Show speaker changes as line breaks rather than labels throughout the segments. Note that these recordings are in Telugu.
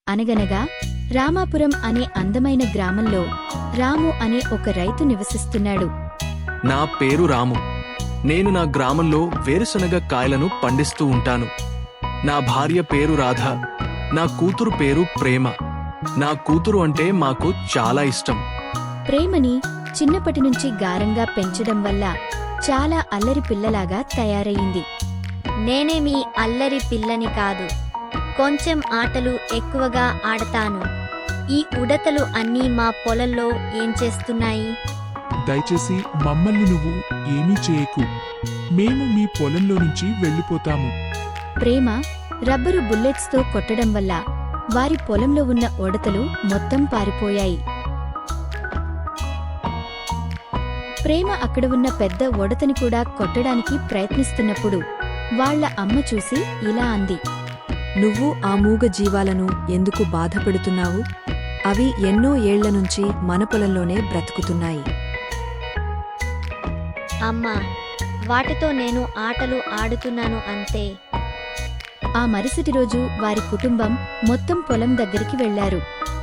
అనగనగా రామాపురం అనే అందమైన గ్రామంలో రాము అనే ఒక రైతు నివసిస్తున్నాడు.
నా పేరు రాము. నేను నా గ్రామంలో వేరుశనగ కాయలను పండిస్తూ ఉంటాను. నా భార్య పేరు రాధ. నా కూతురు పేరు ప్రేమ. నా కూతురు అంటే మాకు చాలా ఇష్టం.
ప్రేమని చిన్నప్పటినుంచి గారంగా పెంచడం వల్ల చాలా అల్లరి పిల్లలాగా తయారయింది.
నేనేమీ అల్లరి పిల్లని కాదు. కొంచెం ఆటలు ఎక్కువగా ఆడతాను. ఈ ఉడతలు అన్నీ మా పొలంలో ఏం చేస్తున్నాయి?
దయచేసి మమ్మల్ని నువ్వు ఏమీ చేయకు. మేము మీ పొలంలో నుంచి వెళ్ళిపోతాము.
ప్రేమ రబ్బరు బుల్లెట్స్తో కొట్టడం వల్ల వారి పొలంలో ఉన్న ఉడతలు మొత్తం పారిపోయాయి. ప్రేమ అక్కడ ఉన్న పెద్ద ఉడతని కూడా కొట్టడానికి ప్రయత్నిస్తున్నప్పుడు వాళ్ళ అమ్మ చూసి ఇలా అంది.
నువ్వు ఆ మూగ జీవాలను ఎందుకు బాధపెడుతున్నావు? అవి ఎన్నో ఏళ్లనుంచి మన పొలంలోనే బ్రతుకుతున్నాయి.
అమ్మా, వాటితో నేను ఆటలు ఆడుతున్నాను అంతే.
ఆ మరుసటి రోజు వారి కుటుంబం మొత్తం పొలం దగ్గరికి వెళ్లారు.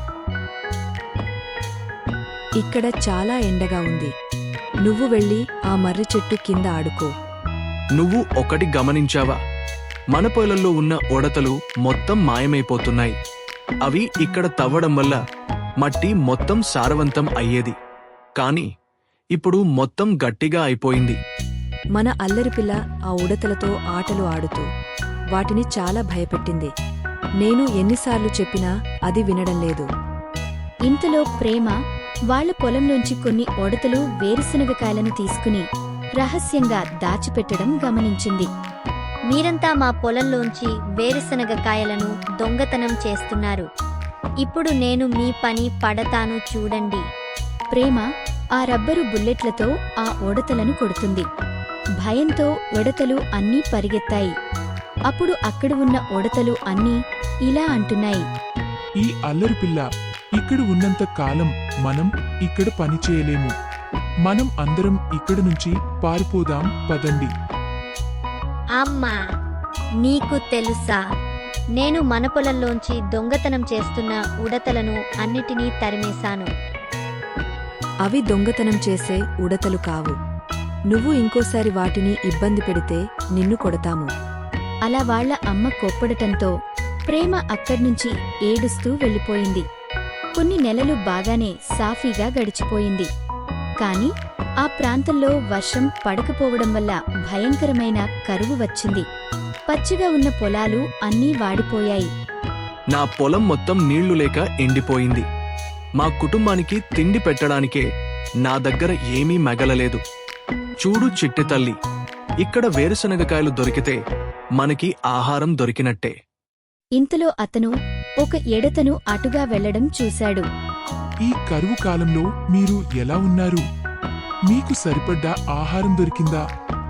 ఇక్కడ చాలా ఎండగా ఉంది. నువ్వు వెళ్ళి ఆ మర్రి చెట్టు కింద ఆడుకో.
నువ్వు ఒకటి గమనించావా? మన పొలంలో ఉన్న ఉడతలు మొత్తం మాయమైపోతున్నాయి. అవి ఇక్కడ తవ్వడం వల్ల మట్టి మొత్తం సారవంతం అయ్యేది. కాని ఇప్పుడు మొత్తం గట్టిగా అయిపోయింది.
మన అల్లరిపిల్ల ఆ ఉడతలతో ఆటలు ఆడుతూ వాటిని చాలా భయపెట్టింది. నేను ఎన్నిసార్లు చెప్పినా అది వినడం లేదు.
ఇంతలో ప్రేమ వాళ్ల పొలంలోంచి కొన్ని ఉడతలు వేరుశనగకాయలను తీసుకుని రహస్యంగా దాచిపెట్టడం గమనించింది.
మీరంతా మా పొలంలోంచి వేరుశనగ కాయలను దొంగతనం చేస్తున్నారు. ఇప్పుడు నేను మీ పని పడతాను చూడండి.
ప్రేమ ఆ రబ్బరు బుల్లెట్లతో ఆ ఉడతలను కొడుతుంది. భయంతో ఉడతలు అన్నీ పరిగెత్తాయి. అప్పుడు అక్కడ ఉన్న ఉడతలు అన్నీ ఇలా అంటున్నాయి.
ఈ అల్లరి పిల్ల ఇక్కడ ఉన్నంత కాలం మనం ఇక్కడ పని చేయలేము. మనం అందరం ఇక్కడి నుంచి పారిపోదాం పదండి.
అమ్మా, నీకు తెలుసా, నేను మన పొలంలోంచి దొంగతనం చేస్తున్న ఉడతలను అన్నిటినీ తరిమేశాను.
అవి దొంగతనం చేసే ఉడతలు కావు. నువ్వు ఇంకోసారి వాటిని ఇబ్బంది పెడితే నిన్ను కొడతాము.
అలా వాళ్ల అమ్మ కోప్పడటంతో ప్రేమ అక్కడ్నుంచి ఏడుస్తూ వెళ్ళిపోయింది. కొన్ని నెలలు బాగానే సాఫీగా గడిచిపోయింది. కాని ఆ ప్రాంతంలో వర్షం పడకపోవడం వల్ల భయంకరమైన కరువు వచ్చింది. పచ్చిగా ఉన్న పొలాలు అన్నీ వాడిపోయాయి.
నా పొలం మొత్తం నీళ్లు లేక ఎండిపోయింది. మా కుటుంబానికి తిండి పెట్టడానికే నా దగ్గర ఏమీ మిగలలేదు. చూడు చిట్టి తల్లి, ఇక్కడ వేరుశనగకాయలు దొరికితే మనకి ఆహారం దొరికినట్టే.
ఇంతలో అతను ఒక ఎడతను అటుగా వెళ్లడం చూశాడు.
ఈ కరువు కాలంలో మీరు ఎలా ఉన్నారు? మీకు సరిపడ్డ ఆహారం దొరికిందా?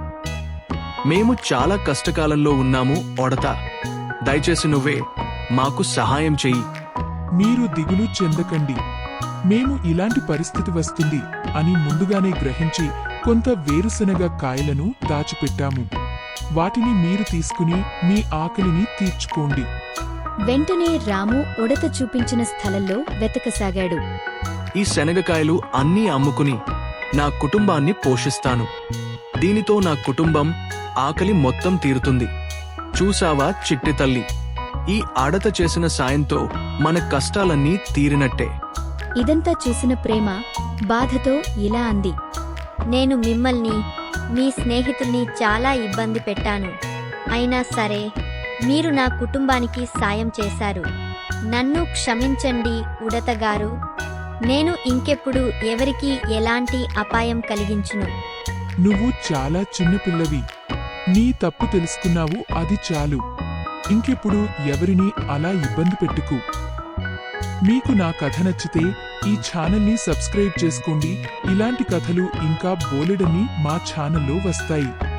మేము చాలా కష్టకాలంలో ఉన్నాము ఉడత. దయచేసి నువ్వే మాకు సహాయం చెయ్యి.
మీరు దిగులు చెందకండి. మేము ఇలాంటి పరిస్థితి వస్తుంది అని ముందుగానే గ్రహించి కొంత వేరుశనగ కాయలను దాచిపెట్టాము. వాటిని మీరు తీసుకుని మీ ఆకలిని తీర్చుకోండి.
వెంటనే రాము ఉడత చూపించిన స్థలంలో వెతకసాగాడు.
ఈ శనగకాయలు అన్నీ అమ్ముకుని నా కుటుంబాన్ని పోషిస్తాను. దీనితో నా కుటుంబం ఆకలి మొత్తం తీరుతుంది. చూసావా చిట్టి తల్లి, ఈ ఆడత చేసిన సాయంతో మన కష్టాలన్నీ తీరినట్టే.
ఇదంతా చూసిన ప్రేమ బాధతో ఇలా అంది.
నేను మిమ్మల్ని, మీ స్నేహితుల్ని చాలా ఇబ్బంది పెట్టాను. అయినా సరే మీరు నా కుటుంబానికి సాయం చేశారు. నన్ను క్షమించండి ఉడతగారు. నేను ఇంకెప్పుడు ఎవరికీ ఎలాంటి అపాయం కలిగించును.
నువ్వు చాలా చిన్నపిల్లవి. నీ తప్పు తెలుసుకున్నావు, అది చాలు. ఇంకెప్పుడు ఎవరినీ అలా ఇబ్బంది పెట్టుకు. మీకు నా కథ నచ్చితే ఈ ఛానల్ని సబ్స్క్రైబ్ చేసుకోండి. ఇలాంటి కథలు ఇంకా బోలెడన్ని మా ఛానల్లో వస్తాయి.